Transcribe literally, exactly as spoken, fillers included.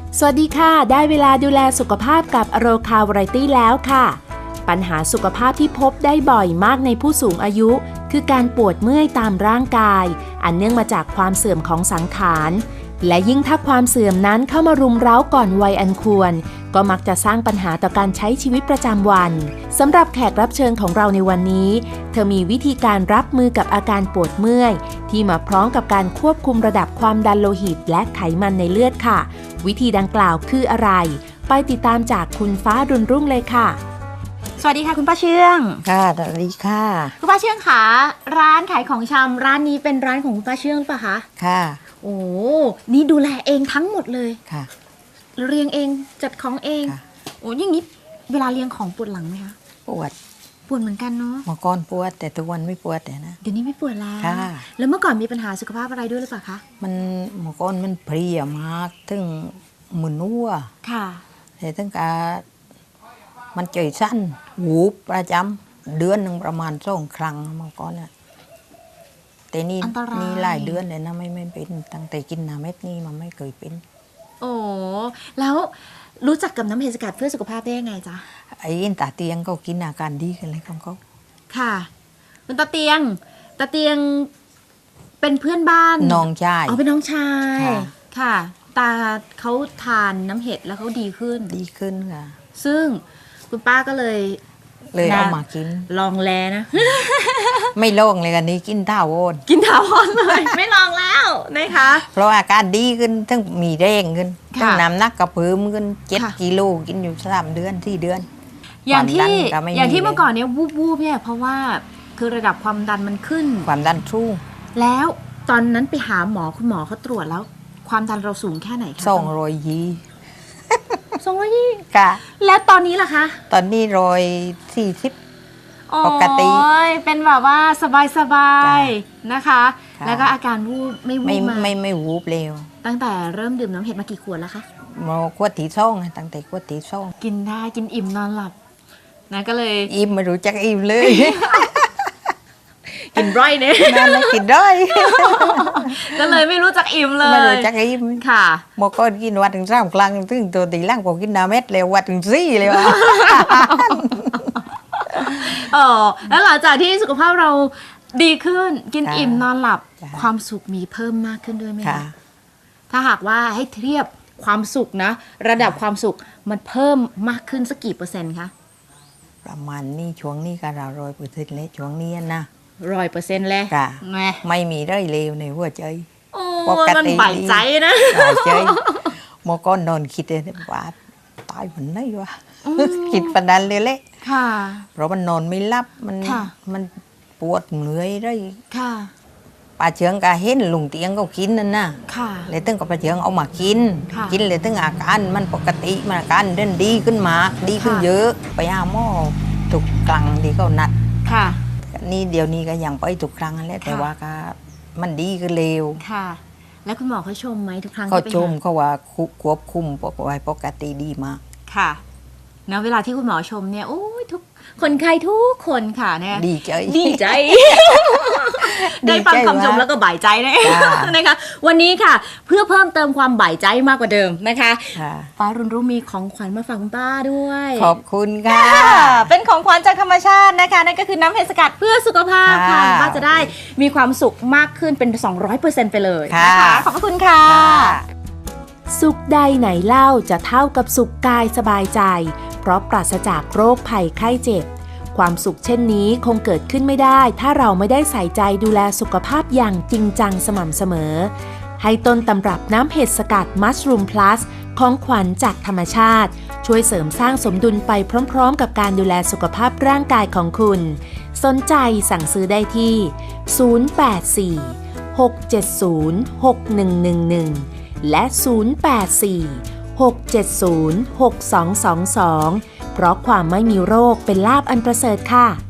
สวัสดีค่ะได้เวลาดูแลสุขภาพกับอโรคาวาไรตี้แล้วค่ะปัญหาสุขภาพที่พบได้บ่อยมากในผู้สูงอายุคือการปวดเมื่อยตามร่างกายอันเนื่องมาจากความเสื่อมของสังขารและยิ่งถ้าความเสื่อมนั้นเข้ามารุมเร้าก่อนวัยอันควรก็มักจะสร้างปัญหาต่อการใช้ชีวิตประจำวันสำหรับแขกรับเชิญของเราในวันนี้เธอมีวิธีการรับมือกับอาการปวดเมื่อยที่มาพร้อมกับการควบคุมระดับความดันโลหิตและไขมันในเลือดค่ะวิธีดังกล่าวคืออะไรไปติดตามจากคุณฟ้ารุ่นรุ่งเลยค่ะสวัสดีค่ะคุณป้าเชื่องค่ะสวัสดีค่ะคุณป้าเชื่องค่ะร้านขายของชำร้านนี้เป็นร้านของคุณป้าเชื่องป่ะคะค่ะโอ้นี่ดูแลเองทั้งหมดเลยค่ะเรียงเองจัดของเองโอ้อย่างนี้เวลาเรียงของปวดหลังไหมคะปวดปวดเหมือนกันเนาะเมื่อก่อนปวดแต่ทุกวันไม่ปวดแต่นะเดี๋ยวนี้ไม่ปวดแล้วค่ะแล้วเมื่อก่อนมีปัญหาสุขภาพอะไรด้วยหรือเปล่าคะมันเมื่อก่อนมันเพลียมากถึงมึนหัวค่ะแต่ถึงกับมันใจสั้นหูประจำเดือนหนึ่งประมาณสองครั้งเมื่อก่อนเนี่ยแต่นี่นี่หลายเดือนเลยนะไม่ไม่เป็นตั้งแต่กินน้ำเม็ดนี่มันไม่เคยเป็นโอ้แล้วรู้จักกับน้ำเห็ดสกัดเพื่อสุขภาพได้ยังไงจ๊ะไอ้ตาเตียงก็กินอาการดีกันเลยของเขาค่ะคุณตาเตียงตาเตียงเป็นเพื่อนบ้านน้องชายอ๋อเป็นน้องชายค่ะตาเขาทานน้ำเห็ดแล้วเขาดีขึ้นดีขึ้นค่ะซึ่งคุณป้าก็เลยเลยเอามากินลองแลนะไม่ลองเลยกันนี้กินท่าวอนกินท่าวอนเลยไม่ลองแล้วนะคะเพราะอาการดีขึ้นทั้งมีแรงขึ้นทั้งน้ำหนักกระเพิ่มขึ้นเจ็ดกิโลกินอยู่สามเดือนสี่เดือนอย่างที่อย่างที่เมื่อก่อนเนี้ยวูบวูบเนี่ยเพราะว่าคือระดับความดันมันขึ้นความดันสูงแล้วตอนนั้นไปหาหมอคุณหมอเขาตรวจแล้วความดันเราสูงแค่ไหนคะสองร้อยยี่สองร้อยยี่ค่ะแล้วตอนนี้ล่ะคะตอนนี้ร้อยสี่สิบปกติเป็นแบบว่าสบายๆนะคะแล้วก็อาการวูบไม่วูบมาไม่ไม่วูบเร็วตั้งแต่เริ่มดื่มน้ำเห็ดมากี่ขวดแล้วคะมาขวดที่สองตั้งแต่ขวดที่สองกินได้กินอิ่มนอนหลับนะก็เลยอิ่มไม่รู้จักอิ่มเลยกินร้อยเนี่ยนั่นแหละกินร้อยก็เลยไม่รู้จักอิ่มเลยไม่รู้จักอิ่มค่ะเมื่อก่อนกินวัดถึงสามครั้งถึงตัวตีล่างผมกินน้ำเม็ดเลยวัดถึงสี่เลยวะเออแล้วหลังจากที่สุขภาพเราดีขึ้นกินอิ่มนอนหลับความสุขมีเพิ่มมากขึ้นด้วยไหมคะถ้าหากว่าให้เทียบความสุขนะระดับความสุขมันเพิ่มมากขึ้นสักกี่เปอร์เซ็นต์คะประมาณนี้ช่วงนี้ก็เราร้อยเปอร์เซ็นต์เลยช่วงนี้นะร้อยเปอร์เซ็นต์เลยไม่มีได้เลวในหัวใจปกติบ่ายใจนะบ่ายใจเมื่อก่อนนอนคิดเลยว่าตายวันไหนวะคิดปันนั้นเลยแหละเพราะมันนอนไม่หลับมันมันปวดเหนื่อยได้ป้าเชืองก็เห็นลุงเตียงก็กินนั่นนะเลยตั้งกับป้าเชืองเอามากินกินเลยตั้งอาการมันปกติมันอาการเดินดีขึ้นมาดีขึ้นเยอะไปหาหมอทุกครั้งที่เขานัดนี่เดี๋ยวนี้ก็ยังไปทุกครั้งนั่นแหละแต่ว่าก็มันดีขึ้นเร็วค่ะแล้วคุณหมอเขาชมไหมทุกครั้งเขาชมเขาว่าควบคุมปกติปกติดีมากค่ะนะเวลาที่คุณหมอชมเนี่ยโอ้ยทุกคนไข้ทุกคนค่ะเนี่ยดีใจดีใจได้ฟังคำชมแล้วก็บ่ายใจนะนะคะวันนี้ค่ะเพื่อเพิ่มเติมความบ่ายใจมากกว่าเดิมนะคะป้ารุ่นรู้มีของขวัญมาฝากคุณป้าด้วยขอบคุณค่ะเป็นของขวัญจากธรรมชาตินะคะนั่นก็คือน้ำเห็ดสกัดเพื่อสุขภาพค่ะป้าจะได้มีความสุขมากขึ้นเป็น สองร้อยเปอร์เซ็นต์ ไปเลยนะคะขอบคุณค่ะสุขใดไหนเล่าจะเท่ากับสุขกายสบายใจเพราะปราศจากโรคภัยไข้เจ็บความสุขเช่นนี้คงเกิดขึ้นไม่ได้ถ้าเราไม่ได้ใส่ใจดูแลสุขภาพอย่างจริงจังสม่ำเสมอให้ต้นตำรับน้ำเห็ดสกัดมัชรูมพลัสของขวัญจากธรรมชาติช่วยเสริมสร้างสมดุลไปพร้อมๆกับการดูแลสุขภาพร่างกายของคุณสนใจสั่งซื้อได้ที่ศูนย์ แปด สี่ หก เจ็ด ศูนย์ หก หนึ่ง หนึ่ง หนึ่งและศูนย์ แปด สี่ หก เจ็ด ศูนย์ หก สอง สอง สองเพราะความไม่มีโรคเป็นลาภอันประเสริฐค่ะ